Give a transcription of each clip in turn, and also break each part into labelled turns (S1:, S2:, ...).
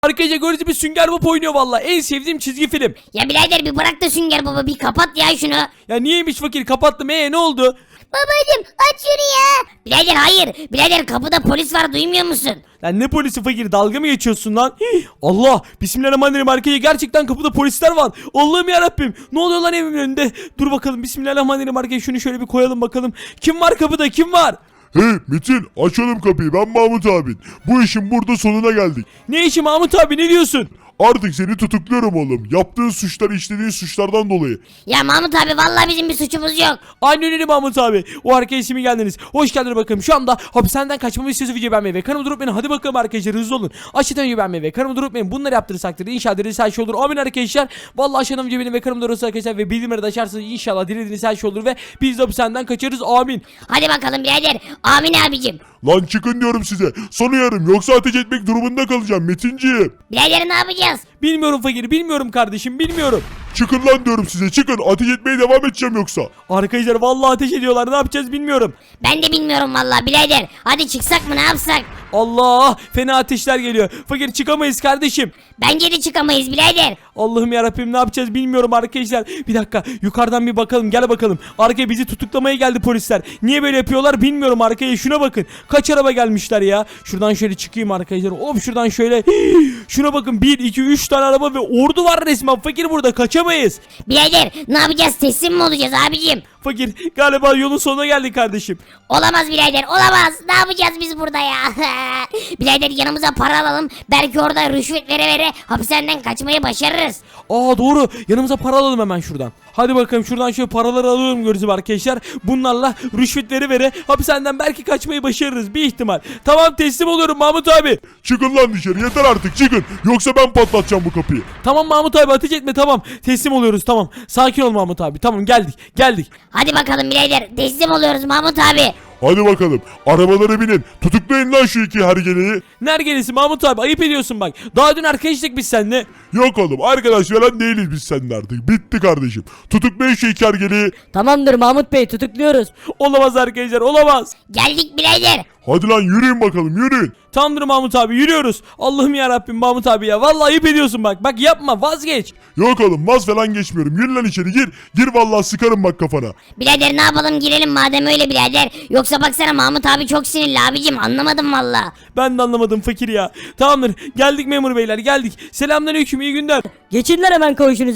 S1: Arkadaşlar gördüğünüz gibi Sünger Bob oynuyor valla. En sevdiğim çizgi film.
S2: Ya birader bir bırak da Sünger Baba, bir kapat ya şunu.
S1: Ya niyeymiş fakir, kapattım. Ne oldu?
S2: Babacım aç şunu ya. Birader hayır. Birader kapıda polis var, duymuyor musun?
S1: Lan ne polisi fakir, dalga mı geçiyorsun lan? Hii, Allah, bismillahirrahmanirrahim, arkaya gerçekten kapıda polisler var. Allah'ım yarabbim, ne oluyor lan evimin önünde? Dur bakalım, bismillahirrahmanirrahim, arkaya şunu şöyle bir koyalım bakalım. Kim var kapıda, kim var?
S3: Hey Metin, açalım kapıyı, ben Mahmut abin. Bu işin burada sonuna geldik.
S1: Ne işi Mahmut abi, ne diyorsun?
S3: Artık seni tutukluyorum oğlum. Yaptığın suçlar, işlediğin suçlardan dolayı.
S2: Ya Mahmut abi vallahi bizim bir suçumuz yok.
S1: Aynen öyle Mahmut abi. O arkadaşa mi geldiniz? Hoş geldiniz bakalım. Şu anda hapishaneden kaçmamı istiyorsa video beğenmeyi ve kanalıma durup beni. Hadi bakalım arkadaşlar, hızlı olun. Aşağıdan video beğenmeyi ve kanalıma durup beni. Bunları yaptırırsak inşallah dilediğiniz her şey olur. Amin arkadaşlar. Vallahi aşağıdan video beğenmeyi ve kanalıma durup arkadaşlar ve bildirimleri de açarsanız inşallah dilediğiniz her şey olur ve biz de hapishaneden kaçarız. Amin.
S2: Hadi bakalım birader. Amin abicim.
S3: Lan çıkın diyorum size. Son uyarım, yoksa ateş etmek durumunda kalacağım Metinciğim.
S2: Birader ne yapacağız?
S1: Bilmiyorum fakir, bilmiyorum kardeşim, bilmiyorum.
S3: Çıkın lan diyorum size, çıkın. Ateş etmeye devam edeceğim yoksa.
S1: Arkadaşlar vallahi ateş ediyorlar. Ne yapacağız bilmiyorum.
S2: Ben de bilmiyorum vallahi birader. Hadi çıksak mı, ne yapsak?
S1: Allah, fena ateşler geliyor. Fakir çıkamayız kardeşim.
S2: Bence de çıkamayız birader.
S1: Allah'ım yarabbim, ne yapacağız bilmiyorum arkadaşlar. Bir dakika, yukarıdan bir bakalım, gel bakalım. Arkaya bizi tutuklamaya geldi polisler. Niye böyle yapıyorlar bilmiyorum arkaya, şuna bakın. Kaç araba gelmişler ya. Şuradan şöyle çıkayım arkadaşlar. Hop şuradan şöyle. Şuna bakın, 1 2 3 tane araba ve ordu var resmen. Fakir burada kaçamayız.
S2: Birader ne yapacağız, teslim mi olacağız abicim?
S1: Fakir galiba yolun sonuna geldik kardeşim.
S2: Olamaz birader, olamaz. Ne yapacağız biz burada ya? Birader yanımıza para alalım. Belki orada rüşvet vere hapishaneden kaçmayı başarırız.
S1: Aa doğru, yanımıza para alalım hemen şuradan. Hadi bakalım, şuradan şöyle paraları alıyorum görüyoruz arkadaşlar. Bunlarla rüşvetleri vere hapishaneden belki kaçmayı başarırız, bir ihtimal. Tamam, teslim oluyorum Mahmut abi.
S3: Çıkın lan dışarı, yeter artık, çıkın. Yoksa ben patlatacağım bu kapıyı.
S1: Tamam Mahmut abi, ateş etme, tamam. Teslim oluyoruz, tamam. Sakin ol Mahmut abi, tamam, geldik.
S2: Hadi bakalım birader, teslim oluyoruz Mahmut abi.
S3: Hadi bakalım, arabalara binin. Tutuklayın lan şu iki hergeleyi.
S1: Nergelesi Mahmut abi, ayıp ediyorsun bak. Daha dün arkadaşlık biz seninle.
S3: Yok oğlum, arkadaş falan değiliz biz seninle artık. Bitti kardeşim. Tutuklayın şu iki hergeleyi.
S4: Tamamdır Mahmut Bey, tutukluyoruz.
S1: Olamaz arkadaşlar, olamaz.
S2: Geldik birader.
S3: Hadi lan yürüyün bakalım, yürüyün.
S1: Tamamdır Mahmut abi, yürüyoruz. Allah'ım yarabbim Mahmut abi ya. Vallahi ayıp ediyorsun bak. Bak yapma, vazgeç.
S3: Yok oğlum, vaz falan geçmiyorum. Yürü lan içeri, gir. Gir vallahi, sıkarım bak kafana.
S2: Birader ne yapalım, girelim madem öyle birader. Yoksa baksana Mahmut abi çok sinirli abicim, anlamadım valla.
S1: Ben de anlamadım fakir ya. Tamamdır, geldik memur beyler, geldik. Selamünaleyküm, iyi günler.
S4: Geçinler hemen kavuşunuz,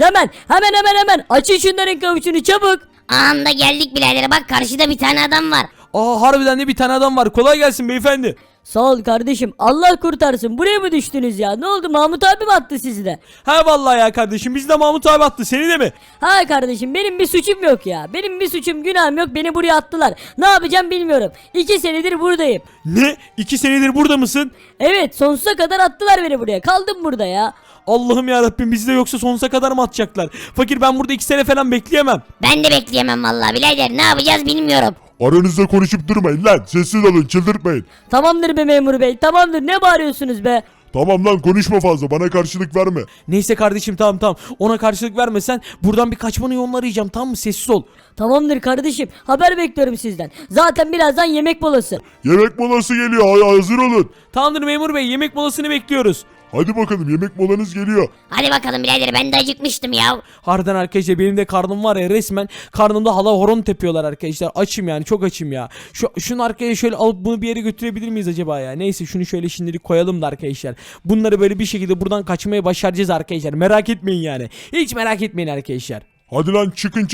S4: hemen. Açın şunların kavuşunu çabuk.
S2: Anda geldik birader, bak karşıda bir tane adam var.
S1: Aa harbiden de bir tane adam var. Kolay gelsin beyefendi.
S4: Sağ ol kardeşim, Allah kurtarsın. Buraya mı düştünüz ya? Ne oldu, Mahmut abi mi attı sizi de?
S1: Ha vallahi ya kardeşim, biz de Mahmut abi attı, seni de mi?
S4: Ha kardeşim, benim bir suçum yok ya. Benim bir suçum, günahım yok, beni buraya attılar. Ne yapacağım bilmiyorum. 2 senedir buradayım.
S1: Ne? 2 senedir burada mısın?
S4: Evet, sonsuza kadar attılar beni buraya. Kaldım burada ya.
S1: Allah'ım yarabbim, bizi de yoksa sonsuza kadar mı atacaklar? Fakir ben burada 2 sene falan bekleyemem.
S2: Ben de bekleyemem valla birader, ne yapacağız bilmiyorum.
S3: Aranızda konuşup durmayın lan. Sessiz olun, çıldırtmayın.
S4: Tamamdır be memur bey, tamamdır. Ne bağırıyorsunuz be?
S3: Tamam lan, konuşma fazla, bana karşılık verme.
S1: Neyse kardeşim, tamam. Ona karşılık vermesen buradan bir kaçmanın yolunu arayacağım, tamam mı? Sessiz ol.
S4: Tamamdır kardeşim, haber bekliyorum sizden. Zaten birazdan yemek molası.
S3: Yemek molası geliyor, hazır olun.
S1: Tamamdır memur bey, yemek molasını bekliyoruz.
S3: Hadi bakalım, yemek molanız geliyor.
S2: Hadi bakalım birader, ben de acıkmıştım ya.
S1: Harbiden arkadaşlar, benim de karnım var ya, resmen karnımda hala horon tepiyorlar arkadaşlar. Açım yani, çok açım ya. Şunu arkaya şöyle alıp bunu bir yere götürebilir miyiz acaba ya? Neyse, şunu şöyle şimdilik koyalım da arkadaşlar. Bunları böyle bir şekilde buradan kaçmaya başaracağız arkadaşlar. Merak etmeyin yani. Hiç merak etmeyin arkadaşlar.
S3: Hadi lan, çıkın.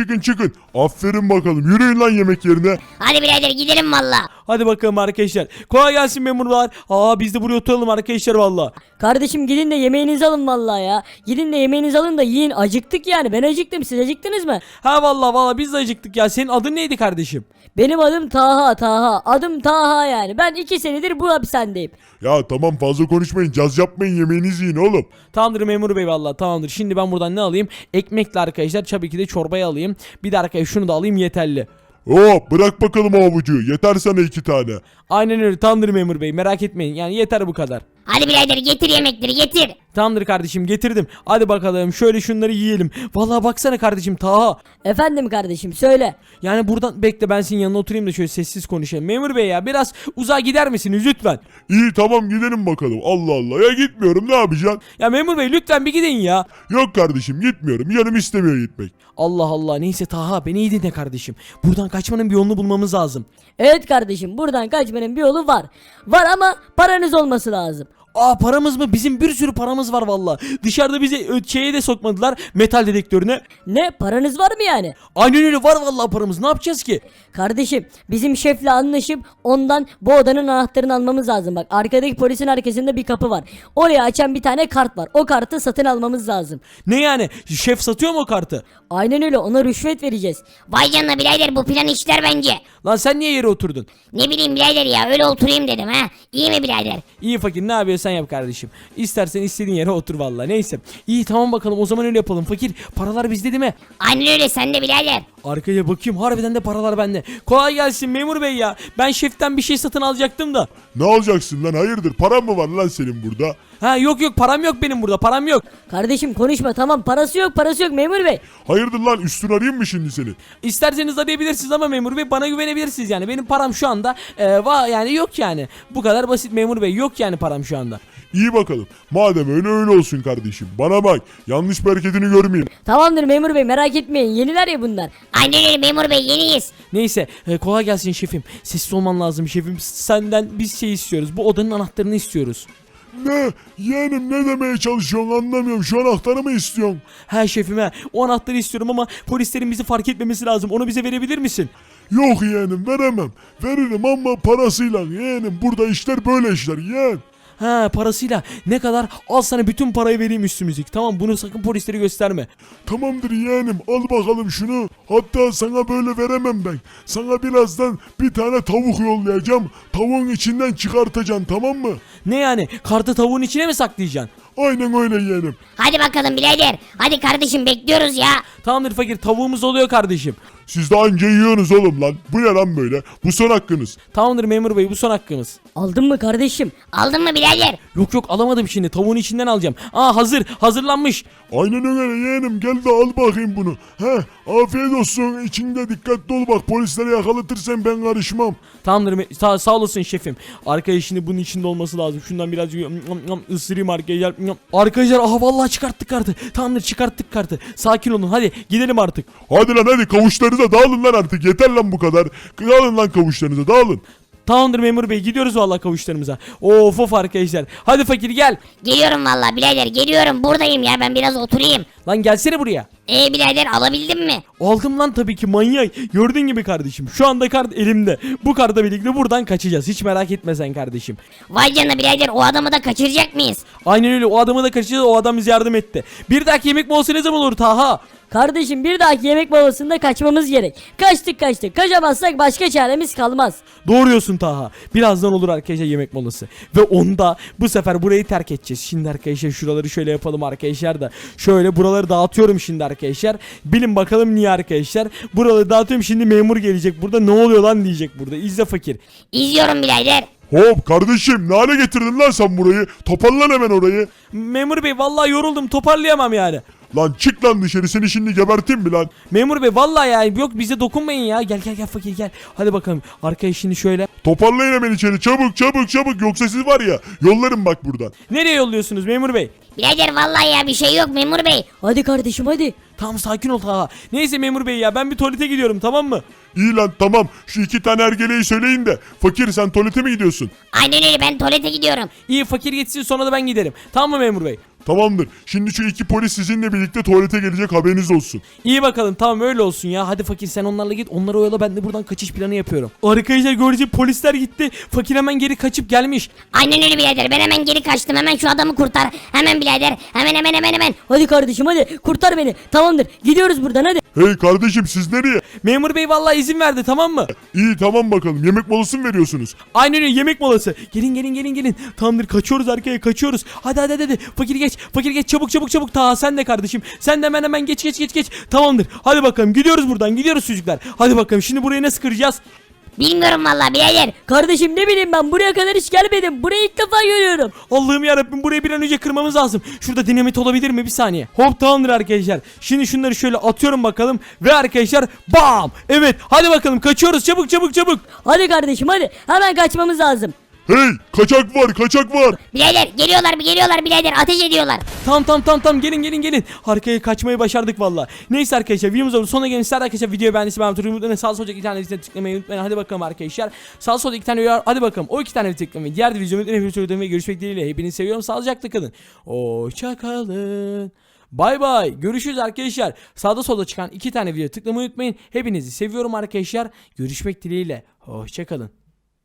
S3: Aferin bakalım, yürüyün lan yemek yerine.
S2: Hadi birader gidelim valla.
S1: Hadi bakalım arkadaşlar. Kolay gelsin memurlar. Biz de buraya oturalım arkadaşlar valla.
S4: Kardeşim gidin de yemeğinizi alın vallahi ya. Gidin de yemeğinizi alın da yiyin. Acıktık yani. Ben acıktım. Siz acıktınız mı?
S1: Ha valla biz de acıktık ya. Senin adın neydi kardeşim?
S4: Benim adım Taha. Adım Taha yani. Ben 2 senedir bu hapishanedeyim.
S3: Ya tamam, fazla konuşmayın, caz yapmayın, yemeğinizi yiyin oğlum.
S1: Tamamdır memur bey, valla tamamdır. Şimdi ben buradan ne alayım? Ekmekle arkadaşlar, tabii ki de çorbayı alayım. Bir de arkadaşlar şunu da alayım, yeterli.
S3: Bırak bakalım o avucu, yeter sana 2 tane.
S1: Aynen öyle, tamamdır memur bey, merak etmeyin yani, yeter bu kadar.
S2: Hadi birader getir yemekleri getir.
S1: Tamamdır kardeşim getirdim. Hadi bakalım şöyle şunları yiyelim. Vallahi baksana kardeşim Taha.
S4: Efendim kardeşim söyle.
S1: Yani buradan bekle ben senin yanına oturayım da şöyle sessiz konuşayım. Memur bey ya biraz uzağa gider misiniz lütfen?
S3: İyi tamam gidelim bakalım. Allah Allah ya gitmiyorum ne yapacaksın?
S1: Ya memur bey lütfen bir gidin ya.
S3: Yok kardeşim gitmiyorum. Canım istemiyor gitmek.
S1: Allah Allah neyse Taha beni iyi dinle kardeşim. Buradan kaçmanın bir yolunu bulmamız lazım.
S4: Evet kardeşim buradan kaçmanın bir yolu var. Var ama paranız olması lazım.
S1: Aa paramız mı? Bizim bir sürü paramız var valla. Dışarıda bizi şeye de sokmadılar metal dedektörüne.
S4: Ne paranız var mı yani?
S1: Aynen öyle var valla paramız ne yapacağız ki?
S4: Kardeşim bizim şefle anlaşıp ondan bu odanın anahtarını almamız lazım. Bak arkadaki polisin arkasında bir kapı var. Oraya açan bir tane kart var. O kartı satın almamız lazım.
S1: Ne yani? Şef satıyor mu o kartı?
S4: Aynen öyle ona rüşvet vereceğiz.
S2: Vay canına birader bu plan işler bence.
S1: Lan sen niye yere oturdun?
S2: Ne bileyim birader ya öyle oturayım dedim ha. İyi mi birader?
S1: İyi fakir ne yapıyorsan yap kardeşim. İstersen istediğin yere otur valla. Neyse. İyi tamam bakalım o zaman öyle yapalım. Fakir paralar bizde değil mi?
S2: Aynen öyle sen de birader.
S1: Arkaya bakayım harbiden de paralar bende. Kolay gelsin memur bey ya. Ben şeften bir şey satın alacaktım da.
S3: Ne alacaksın lan hayırdır? Paran mı var lan senin burada?
S1: Ha yok yok param yok benim burada param yok.
S4: Kardeşim konuşma tamam parası yok memur bey.
S3: Hayırdır lan üstün arayayım mı şimdi seni?
S1: İsterseniz arayabilirsiniz ama memur bey bana güvenebilirsiniz yani. Benim param şu anda yani yok yani. Bu kadar basit memur bey yok yani param şu anda.
S3: İyi bakalım. Madem öyle öyle olsun kardeşim. Bana bak. Yanlış bir hareketini görmeyeyim.
S4: Tamamdır memur bey merak etmeyin yeniler ya bunlar.
S2: Aynen öyle memur bey yeniyiz.
S1: Neyse kolay gelsin şefim. Sessiz olman lazım şefim. Senden biz şey istiyoruz. Bu odanın anahtarını istiyoruz.
S3: Ne? Yeğenim ne demeye çalışıyorsun anlamıyorum. Şu anahtarı mı istiyorsun?
S1: He şefim he. O anahtarı istiyorum ama polislerin bizi fark etmemesi lazım. Onu bize verebilir misin?
S3: Yok yeğenim veremem. Veririm ama parasıyla yeğenim. Burada işler böyle işler yeğen.
S1: Ha parasıyla ne kadar? Al sana bütün parayı vereyim üstümüzlük. Tamam bunu sakın polislere gösterme.
S3: Tamamdır yeğenim al bakalım şunu. Hatta sana böyle veremem ben. Sana birazdan bir tane tavuk yollayacağım. Tavuğun içinden çıkartacaksın tamam mı?
S1: Ne yani? Kartı tavuğun içine mi saklayacaksın?
S3: Aynen öyle yeğenim.
S2: Hadi bakalım birader. Hadi kardeşim bekliyoruz ya.
S1: Tamamdır fakir tavuğumuz oluyor kardeşim.
S3: Siz de anca yiyorsunuz oğlum lan. Bu ne lan böyle? Bu son hakkınız.
S1: Tamamdır memur bey bu son hakkımız.
S4: Aldın mı kardeşim?
S2: Aldın mı birader?
S1: Yok yok alamadım şimdi tavuğun içinden alacağım. Aa hazırlanmış.
S3: Aynen öyle yeğenim gel de al bakayım bunu. He afiyet olsun içinde dikkatli ol bak polislere yakalatırsan ben karışmam.
S1: Tamamdır sağ olasın şefim. Arkadaş şimdi bunun içinde olması lazım. Şundan birazcık ısırayım arkadaşlar. Arkadaşlar aha vallahi çıkarttık kartı. Tamamdır çıkarttık kartı. Sakin olun hadi gidelim artık.
S3: Hadi lan hadi kavuşlarınıza dağılın lan artık yeter lan bu kadar. Dağılın lan kavuşlarınıza dağılın.
S1: Tamamdır memur bey gidiyoruz vallahi kavuşlarımıza. Of arkadaşlar. Hadi fakir gel.
S2: Geliyorum valla birader geliyorum buradayım ya ben biraz oturayım.
S1: Lan gelsene buraya.
S2: Birader alabildin mi?
S1: Aldım lan tabii ki manyak. Gördüğün gibi kardeşim. Şu anda kart elimde. Bu kartla birlikte buradan kaçacağız. Hiç merak etme sen kardeşim.
S2: Vay canına birader o adamı da kaçıracak mıyız?
S1: Aynen öyle. O adamı da kaçacağız. O adam bize yardım etti. Bir dahaki yemek molası ne zaman olur Taha?
S4: Kardeşim bir dahaki yemek molasında kaçmamız gerek. Kaçtık. Kaçamazsak başka çaremiz kalmaz.
S1: Doğru diyorsun Taha. Birazdan olur arkadaşlar yemek molası. Ve onda bu sefer burayı terk edeceğiz. Şimdi arkadaşlar şuraları şöyle yapalım arkadaşlar da. Şöyle buraları dağıtıyorum şimdi arkadaşlar. Bilin bakalım niye arkadaşlar. Buraları dağıtıyorum şimdi memur gelecek. Burada ne oluyor lan diyecek burada. İzle fakir.
S2: İzliyorum birader.
S3: Hop kardeşim ne hale getirdin lan sen burayı? Toparlan hemen orayı.
S1: Memur bey vallahi yoruldum toparlayamam yani.
S3: Lan çık lan dışarı seni şimdi geberteyim mi lan?
S1: Memur bey vallahi ya yok bize dokunmayın ya. Gel fakir gel. Hadi bakalım. Arkaya şimdi şöyle.
S3: Toparlayın hemen içeri çabuk yoksa siz var ya yollarım bak buradan.
S1: Nereye yolluyorsunuz memur bey?
S2: Birader vallahi ya bir şey yok memur bey.
S4: Hadi kardeşim hadi.
S1: Tamam sakin ol Taha. Neyse memur bey ya ben bir tuvalete gidiyorum tamam mı?
S3: İyi lan tamam şu iki tane ergeleyi söyleyin de fakir sen tuvalete mi gidiyorsun?
S2: Aynen öyle ben tuvalete gidiyorum.
S1: İyi fakir gitsin sonra da ben giderim. Tamam mı memur bey?
S3: Tamamdır. Şimdi şu iki polis sizinle birlikte tuvalete gelecek haberiniz olsun.
S1: İyi bakalım tamam öyle olsun ya. Hadi fakir sen onlarla git. Onları oyala ben de buradan kaçış planı yapıyorum. Arkadaşlar görece polisler gitti. Fakir hemen geri kaçıp gelmiş.
S2: Aynen öyle birader ben hemen geri kaçtım hemen şu adamı kurtar. Hemen birader hemen.
S4: Hadi kardeşim hadi kurtar beni. Tamamdır gidiyoruz buradan hadi.
S3: Hey kardeşim siz nereye?
S1: Memur bey vallahi izin verdi tamam mı?
S3: İyi tamam bakalım yemek molası mı veriyorsunuz?
S1: Aynen öyle yemek molası. Gelin. Tamamdır kaçıyoruz arkaya kaçıyoruz. Hadi. Fakir geç çabuk. Taha sen de kardeşim. Sen de hemen geç. Tamamdır. Hadi bakalım gidiyoruz buradan gidiyoruz çocuklar. Hadi bakalım şimdi burayı nasıl kıracağız?
S2: Bilmiyorum vallahi birader.
S4: Kardeşim ne bileyim ben buraya kadar hiç gelmedim. Burayı ilk defa görüyorum.
S1: Allah'ım yarabbim, burayı bir an önce kırmamız lazım. Şurada dinamit olabilir mi? Bir saniye. Hop, tamamdır arkadaşlar. Şimdi şunları şöyle atıyorum bakalım. Ve arkadaşlar bam. Evet, hadi bakalım kaçıyoruz, çabuk çabuk çabuk.
S4: Hadi kardeşim hadi. Hemen kaçmamız lazım.
S3: Hey, kaçak var, kaçak var.
S2: Birader geliyorlar birader, ateş ediyorlar.
S1: Tamam, gelin. Arkaya kaçmayı başardık valla. Neyse arkadaşlar, videomuzun sonuna gelin. Sizler arkadaşlar videoyu beğendiyseniz ben turun mutlaka sağ solda iki tane listeye tıklamayı unutmayın. Hadi bakalım arkadaşlar. Sağ solda iki tane uyar. Hadi bakalım. O iki tane tıklamayı. Diğer videomu mutlaka görüşmek dileğiyle. Hepinizi seviyorum. Sağlıcakla kalın. Hoşça kalın. Bay bay. Görüşürüz arkadaşlar. Sağda solda çıkan iki tane video tıklamayı unutmayın. Hepinizi seviyorum arkadaşlar. Görüşmek dileğiyle. Hoşça kalın.